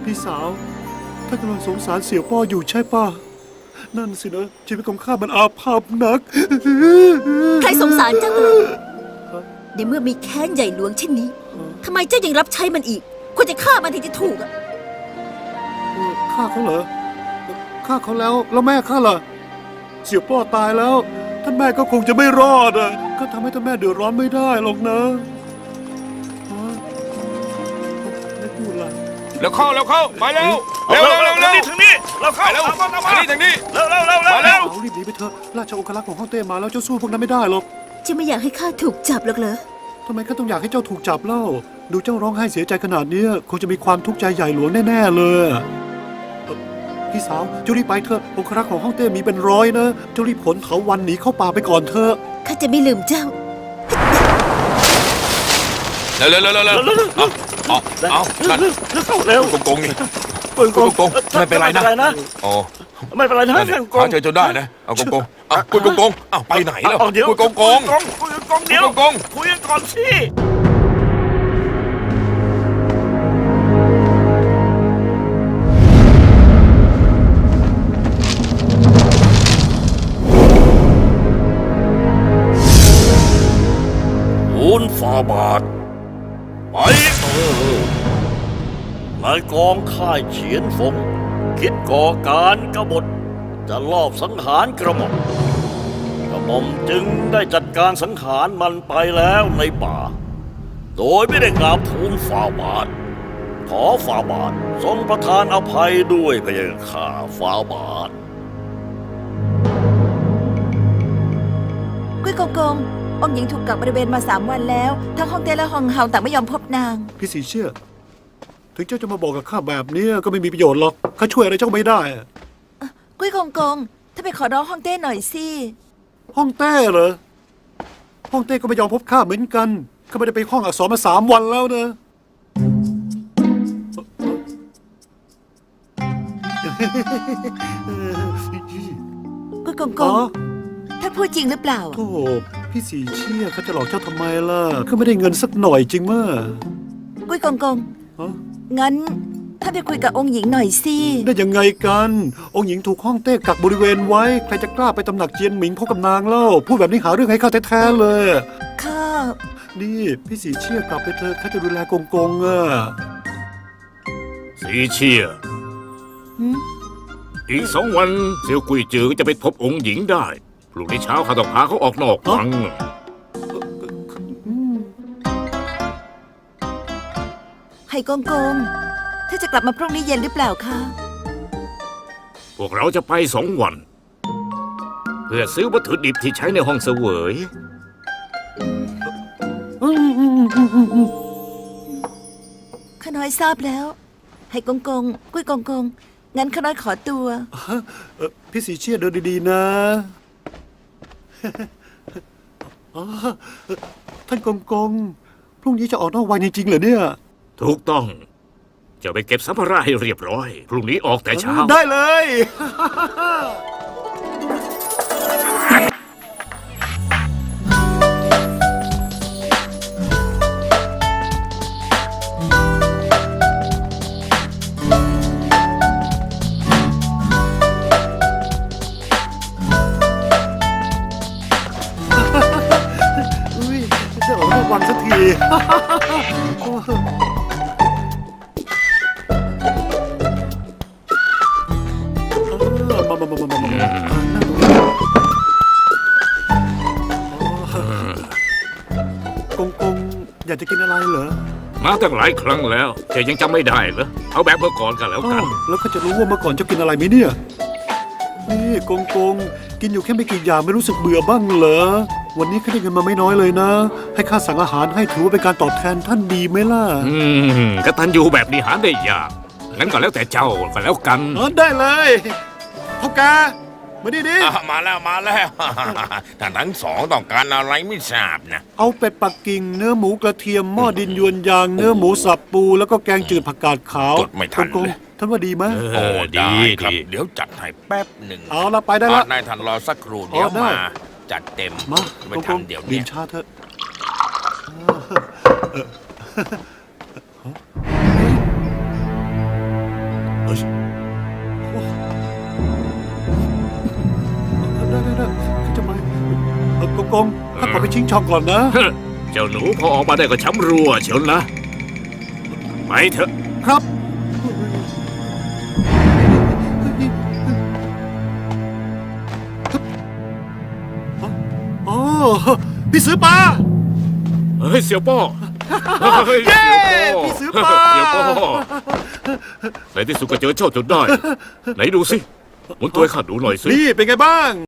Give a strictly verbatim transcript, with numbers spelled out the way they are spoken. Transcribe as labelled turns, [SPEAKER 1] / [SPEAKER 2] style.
[SPEAKER 1] พี่สาวท่านกำลังสงสารเสี่ยวป้ออยู่ใช่ป่ะนั่นสินะชีวิตของข้ามันอาภัพนัก
[SPEAKER 2] ใครสงสารเจ้าเลยในเมื่อมีแค้นใหญ่หลวงเช่นนี้ทำไมเจ้ายังรับใช้มันอีกควรจะฆ่ามันถึงจะถูกอะ
[SPEAKER 1] ฆ่าเขาเหรอฆ่าเขาแล้วแล้วแม่ข้าล่ะเสี่ยวป้อตายแล้วท่านแม่ก็คงจะไม่รอดอ่ะก็ทำให้ท่านแม่เดือดร้อนไม่ได้หรอกนะไม่พูดละ
[SPEAKER 3] แล้วเข้าแล้วเข้าไปแล้วเร็วเร็วเร็วเร็ว
[SPEAKER 4] ถึงนี่เราเข้า
[SPEAKER 3] เร็ว
[SPEAKER 4] เอามาเอามา
[SPEAKER 3] ทางนี้ทางนี้
[SPEAKER 4] เร็วเร็วเร็วเร็วเร็ว
[SPEAKER 1] เอารีบหนีไปเถอะราชองครักษ์ของฮ่องเต้มาแล้วเจ้าสู้พวกนั้นไม่ได้หรอก
[SPEAKER 2] เจ้าไม่อยากให้ข้าถูกจับหรอกเหรอ
[SPEAKER 1] ทำไมข้าต้องอยากให้เจ้าถูกจับเล่าดูเจ้าร้องไห้เสียใจขนาดนี้คงจะมีความทุกข์ใจใหญ่หลวงแน่ๆเลยพี่สาวเจ้ารีบไปเถอะองครักษ์ของฮ่องเต้มีเป็นร้อยนะเจ้ารีบขนเถาวัลย์หนีเข้าป่าไปก่อนเถอะ
[SPEAKER 2] ข้าจะไม่ลืมเจ้า
[SPEAKER 3] เร็วเร็วเร็วเร็วเร็วเอาเอาเอานั่น
[SPEAKER 4] เข้าเร็ว
[SPEAKER 3] โกงโกงนี่
[SPEAKER 4] โกงโกง
[SPEAKER 3] โกงไม่เป็นไรนะ อ๋อ
[SPEAKER 4] ไม่เป็นไรนะ
[SPEAKER 3] นั่นนี่
[SPEAKER 4] ท่านโก
[SPEAKER 3] หาง เจอจนได้นะเอาโกงโกงเอาคุยโกงโกงเอาไปไหนแล้ว
[SPEAKER 4] เดี๋ยว
[SPEAKER 3] คุยโกงโกง
[SPEAKER 4] คุยโกงเดี๋ยว
[SPEAKER 3] คุยโกง
[SPEAKER 4] คุยกันก่อนสิอุนฟาบาทไปเออนายกองค่ายเฉียนฟงคิดก่อการกบฏจะลอบสังหารกระหม่อมกระหม่อมจึงได้จัดการสังหารมันไปแล้วในป่าโดยไม่ได้กราบทูลฝ่าบาทขอฝ่าบาททรงประทานอภัยด้วยพระยาข้าฝ่าบาท
[SPEAKER 2] กุ้ยกงกงองค์หญิงถูกกักบริเวณมาสามวันแล้วทั้งฮ่องเต้และฮ่องเฮาต่างไม่ยอมพบนาง
[SPEAKER 1] พี่สีเชื่อถึงเจ้าจะมาบอกกับข้าแบบนี้ก็ไม่มีประโยชน์หรอกข้าช่วยอะไรเจ้าไม่ได้
[SPEAKER 2] กุ้ยกงกงถ้าไปขอร้องฮ่องเต้หน่อยสิ
[SPEAKER 1] ฮ่องเต้เหรอฮ่องเต้ก็ไม่ยอมพบข้าเหมือนกันข้าไม่ได้ไปห้องอักษรมาสามวันแล้วนะ
[SPEAKER 2] กุ้ยกงกงถ้าพูดจริงหรือเปล่า
[SPEAKER 1] โธ่พี่สีเชี่ยเขาจะหลอกเจ้าทำไมล่ะเขาไม่ได้เงินสักหน่อยจริงมั้ย
[SPEAKER 2] กุ้ยกงกงงั้นถ้าไปคุยกับองค์หญิงหน่อยสิ
[SPEAKER 1] ได้ยังไงกันองค์หญิงถูกฮ่องเต้กักบริเวณไว้ใครจะกล้าไปตำหนักเจียนหมิงพบกับนางเล่าพูดแบบนี้หาเรื่องให้ข้าแท้ๆเลย
[SPEAKER 2] ข้า
[SPEAKER 1] นี่พี่สีเชี่ยกลับไปเถอะข้าจะดูแลกงกงอ่ะ
[SPEAKER 4] สีเชี่ยอีกสองวันเซียวกุยจือก็จะไปพบองค์หญิงได้พรุ่งนี้เช้าข้าต้องพาเขาออกนอกวัง
[SPEAKER 2] ไห่กงกงถ้าจะกลับมาพรุ่งนี้เย็นหรือเปล่าคะ
[SPEAKER 4] พวกเราจะไปสองวันเพื่อซื้อวัตถุดิบที่ใช้ในห้องเสวย
[SPEAKER 2] ข้าน้อยทราบแล้วไห่กงกงกุ้ยกงกงงั้นข้าน้อยขอตัว
[SPEAKER 1] พี่สีเชี่ยเดินดีๆนะท่านกงกงพรุ่งนี้จะออกนอกวังจริงๆเหรอเนี่ย
[SPEAKER 4] ถูกต้องจะไปเก็บสัมภาระให้เรียบร้อยพรุ่งนี้ออกแต่เช้า
[SPEAKER 1] ได้เลยอุ้ยจะออกนอกวังสักทีกงกงอยากจะกินอะไรเหรอ
[SPEAKER 4] มาตั้งหลายครั้งแล้วแต่ยังจำไม่ได้เหรอเอาแบบเมื่อก่อนกันแล้วกัน
[SPEAKER 1] แล้วก็จะรู้ว่าเมื่อก่อนเจ้ากินอะไรไหมเนี่ยนี่กงกงกินอยู่แค่ไม่กี่อย่างไม่รู้สึกเบื่อบ้างเหรอวันนี้ข้าได้เงินมาไม่น้อยเลยนะให้ข้าสั่งอาหารให้ถือว่าเป็นการตอบแทนท่านดีไหมล่ะ
[SPEAKER 4] อืมกตัญญูแบบนี้หาได้ยากงั้นก็แล้วแต่เจ้าก็แล้วกัน
[SPEAKER 1] ได้เลยพ่อกามาดิดิ
[SPEAKER 3] มาแล้วมาแล้วท่านทั้งสองต้องการอะไรไม่ทราบนะ
[SPEAKER 1] เอาเป็ดปักกิ่งเนื้อหมูกระเทียมหม้อดินยวนยางเนื้อหมูสับปูแล้วก็แกงจืดผักกาดขาว
[SPEAKER 3] ไม่ทันเลย
[SPEAKER 1] ท่านว่าดีไหม
[SPEAKER 4] โอ้ดี
[SPEAKER 3] ครับเดี๋ยวจัดให้แป๊บหนึ่ง
[SPEAKER 1] เอาละไปได้ละ
[SPEAKER 3] นายท่านรอสักครู่เดี๋ยวมาจัดเต็ม
[SPEAKER 1] มา
[SPEAKER 3] ไม่ทันเดี๋ยว
[SPEAKER 1] นี้ชาเถอะข้าขอไปชิงช่องก่อนนะ
[SPEAKER 5] เจ้าหนูพอออกมาได้ก็ช้ำรัวเชียวนะไปเถอะ
[SPEAKER 1] ครับอ๋อพี่ซื้อปลา
[SPEAKER 5] เฮ้ยเสี่ยวป้อเฮ้ย
[SPEAKER 1] เย้
[SPEAKER 5] เสี่ยวป้อ
[SPEAKER 1] พี่ซื้อปลา
[SPEAKER 5] เสี่ยวป้อในที่สุดก็เจอเจ้าจนได้ ไหนดูสิหมุนตัวให้ข้าดูหน่อยสิ
[SPEAKER 1] นี่เป็นไงบ้าง